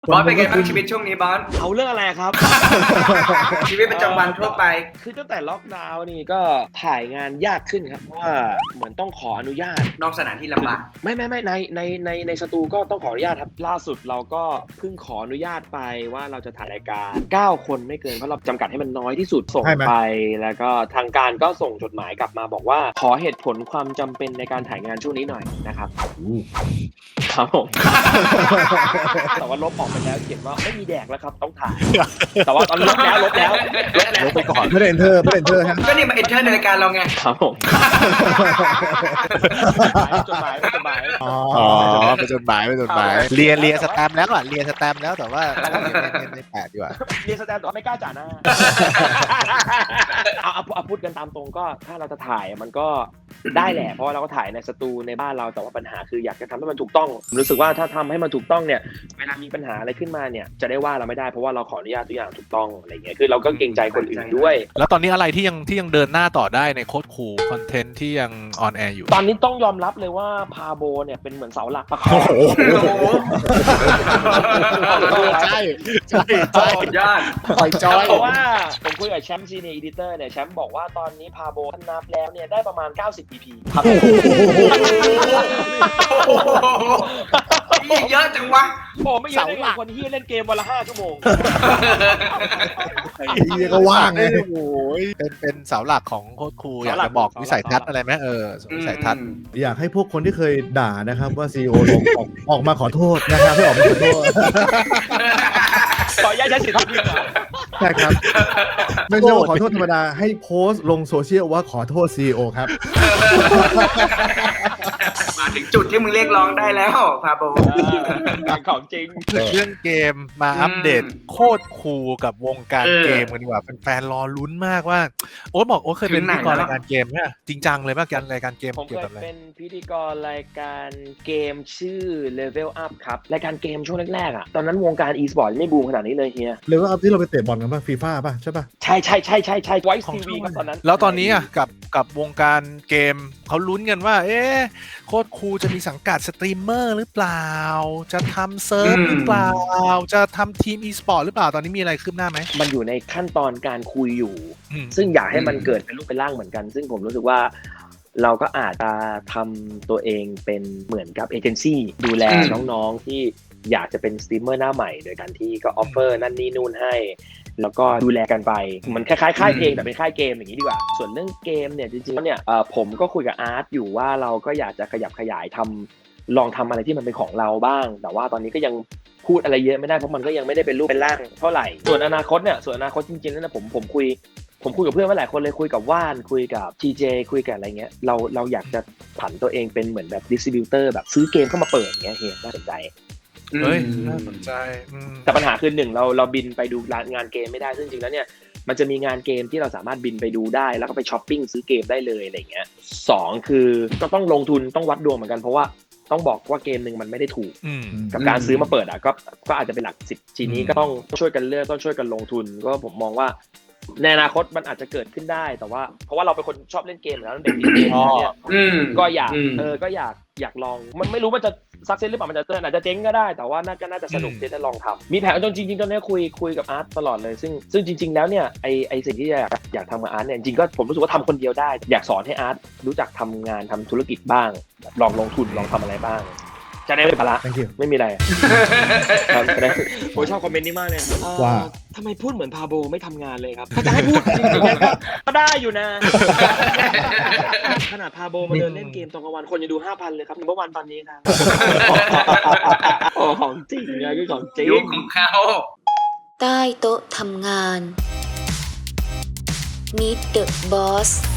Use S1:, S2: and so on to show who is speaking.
S1: บอสเป็นไงบ้างชีวิตช่วงนี้บอส
S2: เอาเรื่องอะไรครับ
S1: ชีวิตประจำวันทั่วไป
S2: คือตั้งแต่ล็อกดาวน์นี่ก็ถ่ายงานยากขึ้นครับเพราะว่าเหมือนต้องขออนุญาต
S1: นอกสถานที่ลำบาก
S2: ไม่ในสตูก็ต้องขออนุญาตครับล่าสุดเราก็เพิ่งขออนุญาตไปว่าเราจะถ่ายรายการ9คนไม่เกินเพราะเราจำกัดให้มันน้อยที่สุดส่งไปแล้วก็ทางการก็ส่งจดหมายกลับมาบอกว่าขอเหตุผลความจำเป็นในการถ่ายงานช่วงนี้หน่อยนะครับครับผม แต่ว่าลบออกไปแล้วเขียนว่าไม่มีแดกแล้วครับต้องถ่ายแต่ว่าตอนลบไปก่อน
S3: ไม่ได้เอนเตอร์ฮะ
S1: ก็นี่มาเอนเตอร์ในรายการเราไง
S2: ครับผมจดหมาย
S3: อ๋อ
S4: เป็นจดหมายเรียนสแตมป์แล้วเรียนสแตมป์แล้วแต่ว่าไม่แปะดีกว่า
S2: เรียนสแตนด์แต่ไม่กล้าจ่ายหน้าเอาพูดกันตามตรงก็ถ้าเราจะถ่ายมันก็ได้แหละเพราะว่าเราก็ถ่ายในสตูในบ้านเราแต่ว่าปัญหาคืออยากจะทำให้มันถูกต้องรู้สึกว่าถ้าทำให้มันถูกต้องเนี่ยเวลามีปัญหาอะไรขึ้นมาเนี่ยจะได้ว่าเราไม่ได้เพราะว่าเราขออนุญาตทุกอย่างถูกต้องอะไรเงี้ยคือเราก็เกรงใจคนอื่นด้วย
S4: แล้วตอนนี้อะไรที่ยังเดินหน้าต่อได้ในโค้ดคูลคอนเทนต์ที่ยังออนแอร์อยู่
S2: ตอนนี้ต้องยอมรับเลยว่าพาโบเนี่ยเป็นเหมือนเสาหลักประคอง
S4: ใช่
S1: ยอด
S4: คอยจอย
S2: เพราะว่าผมคุยกับแชมป์ซีเนียร์อีดิเตอร์เนี่ยแชมป์บอกว่าตอนนี้พาโบนับแล้วเนี่ยได้ประมาณ90 EP ครับ
S1: เยอะจังวะ
S2: โอ้ไม่เยอะได้ไงคนที่เล่นเกมวันละ5 ชั่วโมง
S3: เรียก็ว่างไง
S4: โอ้ยเป็นเสาหลักของโค้ดคูลอยากจะบอกวิสัยทัศน์อะไรไหมวิสัยทัศน์
S3: อยากให้พวกคนที่เคยด่านะครับว่าซีโอลงออกมาขอโทษนะครับให้ออกมาขอโทษ
S2: ขออนุญาตใช้สิทธิ์ที่เหรอ
S3: ใช่ครับไม่ใช่ว่าขอโทษธรรมดาให้โพสต์ลงโซเชียลว่าขอโทษซีโอครับ
S1: มาถึงจุดที่มึงเรียกร้องได้แล้วพาโบ
S2: ของจริง
S4: เรื่องเกมมาอัปเดตโคตรคูลกับวงการเกมกันดีกว่าแฟนๆรอลุ้นมากว่าโอ๊ตบอกโอ๊ตเคยเป็นพิธีกรรายการเกมเนี่ยจริงจังเลยป่ะการรายการเกม
S2: ผม
S4: เกี่ย
S2: เคว
S4: กับ
S2: ย
S4: อะไร
S2: เป็นพิธีกรรายการเกมชื่อ Level Up ครับรายการเกมช่วงแรกๆอ่ะตอนนั้นวงการ e-sport ไม่บูมขนาดนี้เลยเฮีย
S3: เลยว่าเอาที่เราไปเตะบอลกันป่ะฟีฟ่าป่ะใช่ป่ะ
S2: ใช่ไวท์ทีวีครับตอนนั้น
S4: แล้วตอนนี้อ่ะกับวงการเกมเขาลุ้นกันว่าโคตรคูลจะมีสังกัดสตรีมเมอร์หรือเปล่าจะทำเซิร์ฟหรือเปล่าจะทำทีม e-sport หรือเปล่าตอนนี้มีอะไรคืบหน้าไหม
S2: มันอยู่ในขั้นตอนการคุยอยู่ซึ่งอยากให้มันเกิดเป็นรูปเป็นร่างเหมือนกันซึ่งผมรู้สึกว่าเราก็อาจจะทำตัวเองเป็นเหมือนกับเอเจนซี่ดูแลน้องๆที่อยากจะเป็นสตรีมเมอร์หน้าใหม่โดยการที่ก็ออฟเฟอร์นั่นนี่นู่นให้แล้วก็ดูแลกันไปมันคล้ายๆค่ายเพลงแต่เป็นค่ายเกมอย่างนี้ดีกว่าส่วนเรื่องเกมเนี่ยจริงๆแล้วเนี่ยผมก็คุยกับอาร์ตอยู่ว่าเราก็อยากจะขยับขยายลองทำอะไรที่มันเป็นของเราบ้างแต่ว่าตอนนี้ก็ยังพูดอะไรเยอะไม่ได้เพราะมันก็ยังไม่ได้เป็นรูปเป็นร่างเท่าไหร่ส่วนอนาคตจริงๆแล้วนะผมคุยกับเพื่อนมาหลายคนเลยคุยกับว่านคุยกับ TJ คุยกับอะไรเงี้ยเราอยากจะผันตัวเองเป็นเหมือนแบบดิสติบิวเตอร์แบบซื้อเกมเข้ามาเปิดเงี้ยเฮียน่าสนใจ
S4: เฮ้ยน่าสนใจ
S2: แต่ปัญหาคือ1เราบินไปดูงานเกมไม่ได้ซึ่งจริงแล้วเนี่ยมันจะมีงานเกมที่เราสามารถบินไปดูได้แล้วก็ไปช้อปปิ้งซื้อเกมได้เลยอะไรเงี้ย2คือก็ต้องลงทุนต้องวัดดวงเหมือนกันเพราะว่าต้องบอกว่าเกมหนึ่งมันไม่ได้ถูกกับการซื้อมาเปิดอ่ะก็อาจจะเป็นหลัก10ทีนี้ก็ต้องช่วยกันเลือกต้องช่วยกันลงทุนก็ผมมองว่าในอนาคตมันอาจจะเกิดขึ้นได้แต่ว่าเพราะว่าเราเป็นคนชอบเล่นเกมแล้วเด็กเกมเนี่ยก็อยากลองมันไม่รู้ว่าจะซักเซสหรือเปล่ามันจะอาจจะเจ๊งก็ได้แต่ว่าน่าจะสนุกที่จะลองทำมีแผนจริงๆตอนนี้คุยกับอาร์ตตลอดเลยซึ่งจริงๆแล้วเนี่ยไอสิ่งที่อยากทำกับอาร์ตเนี่ยจริงก็ผมรู้สึกว่าทำคนเดียวได้อยากสอนให้อาร์ตรู้จักทำงานทำธุรกิจบ้างลองลงทุนลองทำอะไรบ้างจะได้ไม่ภาระไม่มีอะไรผมชอบคอมเมนต์นี้มากเลย
S3: ว่า
S2: ทำไมพูดเหมือนพาโบไม่ทำงานเลยครับถ้าจะให้พูดจริงๆก็ได้อยู่นะขนาดพาโบมาเดินเล่นเกมตอนกลางวันคนยังดู 5,000 เลยครับเมื่อวันตอนนี้ครับของจริงนะคือของจริง
S1: ยุคของเขา
S5: ใต้โต๊ะทำงาน Meet the Boss